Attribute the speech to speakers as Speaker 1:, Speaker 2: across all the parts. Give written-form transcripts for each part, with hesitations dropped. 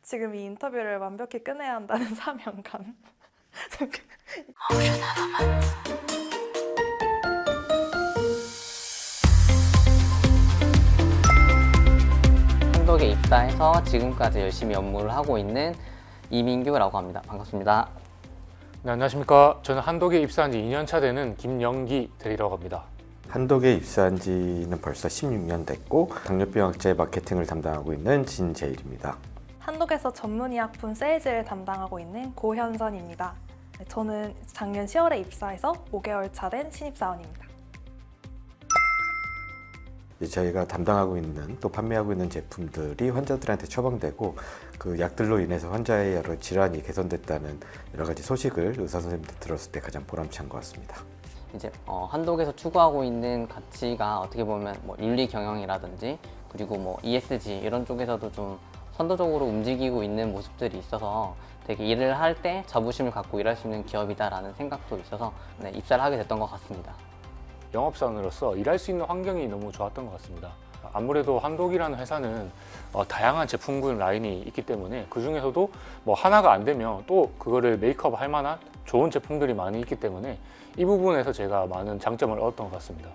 Speaker 1: 지금 이 인터뷰를 완벽히 끝내야 한다는 사명감.
Speaker 2: 한독에 입사해서 지금까지 열심히 업무를 하고 있는 이민규라고 합니다. 반갑습니다.
Speaker 3: 네, 안녕하십니까. 저는 한독에 입사한 지 2년차 되는 김영기 대리라고 합니다.
Speaker 4: 한독에 입사한 지는 벌써 16년 됐고 당뇨병학자의 마케팅을 담당하고 있는 진재일입니다.
Speaker 1: 한독에서 전문의약품 세일즈를 담당하고 있는 고현선입니다. 네, 저는 작년 10월에 입사해서 5개월 차 된 신입사원입니다.
Speaker 4: 저희가 담당하고 있는 또 판매하고 있는 제품들이 환자들한테 처방되고 그 약들로 인해서 환자의 여러 질환이 개선됐다는 여러 가지 소식을 의사 선생님들 들었을 때 가장 보람찬 것 같습니다.
Speaker 2: 이제 한독에서 추구하고 있는 가치가 어떻게 보면 뭐 윤리 경영이라든지 그리고 뭐 ESG 이런 쪽에서도 좀 선도적으로 움직이고 있는 모습들이 있어서 되게 일을 할 때 자부심을 갖고 일할 수 있는 기업이다라는 생각도 있어서 네, 입사를 하게 됐던 것 같습니다.
Speaker 3: 영업사원으로서 일할 수 있는 환경이 너무 좋았던 것 같습니다. 아무래도 한독이라는 회사는 다양한 제품군 라인이 있기 때문에 그 중에서도 뭐 하나가 안 되면 또 그거를 메이크업 할 만한 좋은 제품들이 많이 있기 때문에 이 부분에서 제가 많은 장점을 얻었던 것 같습니다.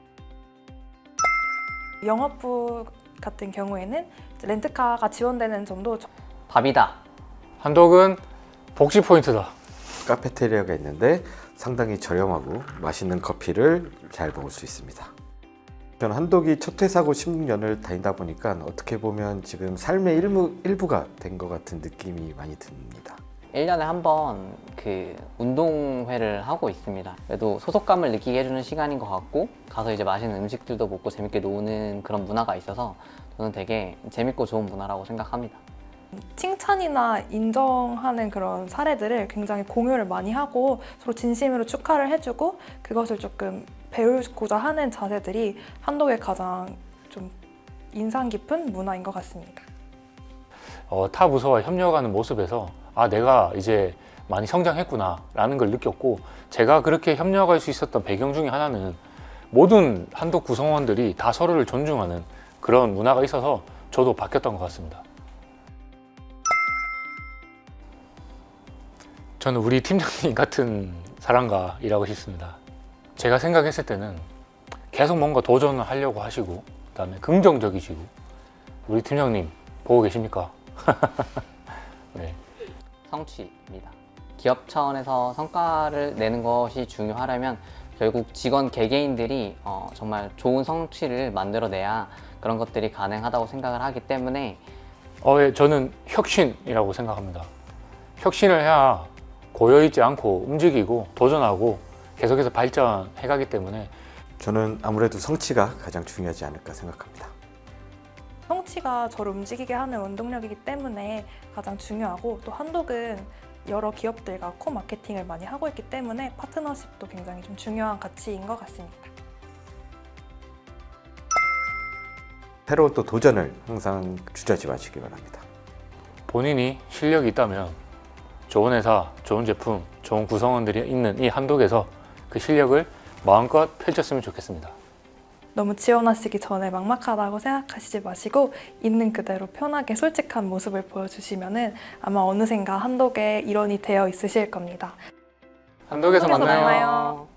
Speaker 1: 영업부 같은 경우에는 렌트카가 지원되는 점도
Speaker 2: 밥이다.
Speaker 3: 한독은 복지 포인트다.
Speaker 4: 카페테리아가 있는데 상당히 저렴하고 맛있는 커피를 잘 먹을 수 있습니다. 저는 한독이 첫 회사고 16년을 다니다 보니까 어떻게 보면 지금 삶의 일부가 된 것 같은 느낌이 많이 듭니다.
Speaker 2: 1년에 한 번 그 운동회를 하고 있습니다. 그래도 소속감을 느끼게 해주는 시간인 것 같고 가서 이제 맛있는 음식들도 먹고 재밌게 노는 그런 문화가 있어서 저는 되게 재밌고 좋은 문화라고 생각합니다.
Speaker 1: 칭찬이나 인정하는 그런 사례들을 굉장히 공유를 많이 하고 서로 진심으로 축하를 해주고 그것을 조금 배우고자 하는 자세들이 한독의 가장 좀 인상 깊은 문화인 것 같습니다.
Speaker 3: 타 부서와 협력하는 모습에서 내가 이제 많이 성장했구나 라는 걸 느꼈고 제가 그렇게 협력할 수 있었던 배경 중에 하나는 모든 한독 구성원들이 다 서로를 존중하는 그런 문화가 있어서 저도 바뀌었던 것 같습니다. 저는 우리 팀장님 같은 사람과 일하고 싶습니다. 제가 생각했을 때는 계속 뭔가 도전을 하려고 하시고 그다음에 긍정적이시고 우리 팀장님 보고 계십니까? 네.
Speaker 2: 성취입니다. 기업 차원에서 성과를 내는 것이 중요하려면 결국 직원 개개인들이 정말 좋은 성취를 만들어내야 그런 것들이 가능하다고 생각을 하기 때문에
Speaker 3: 저는 혁신이라고 생각합니다. 혁신을 해야 고여있지 않고 움직이고 도전하고 계속해서 발전해가기 때문에
Speaker 4: 저는 아무래도 성취가 가장 중요하지 않을까 생각합니다.
Speaker 1: 성취가 저를 움직이게 하는 원동력이기 때문에 가장 중요하고 또 한독은 여러 기업들과 코마케팅을 많이 하고 있기 때문에 파트너십도 굉장히 좀 중요한 가치인 것 같습니다.
Speaker 4: 새로운 또 도전을 항상 주저하지 마시기 바랍니다.
Speaker 3: 본인이 실력이 있다면 좋은 회사, 좋은 제품, 좋은 구성원들이 있는 이 한독에서 그 실력을 마음껏 펼쳤으면 좋겠습니다.
Speaker 1: 너무 지원하시기 전에 막막하다고 생각하시지 마시고 있는 그대로 편하게 솔직한 모습을 보여주시면 아마 어느샌가 한독의 일원이 되어 있으실 겁니다.
Speaker 3: 한독에서
Speaker 1: 한독에서
Speaker 3: 만나요.
Speaker 1: 만나요.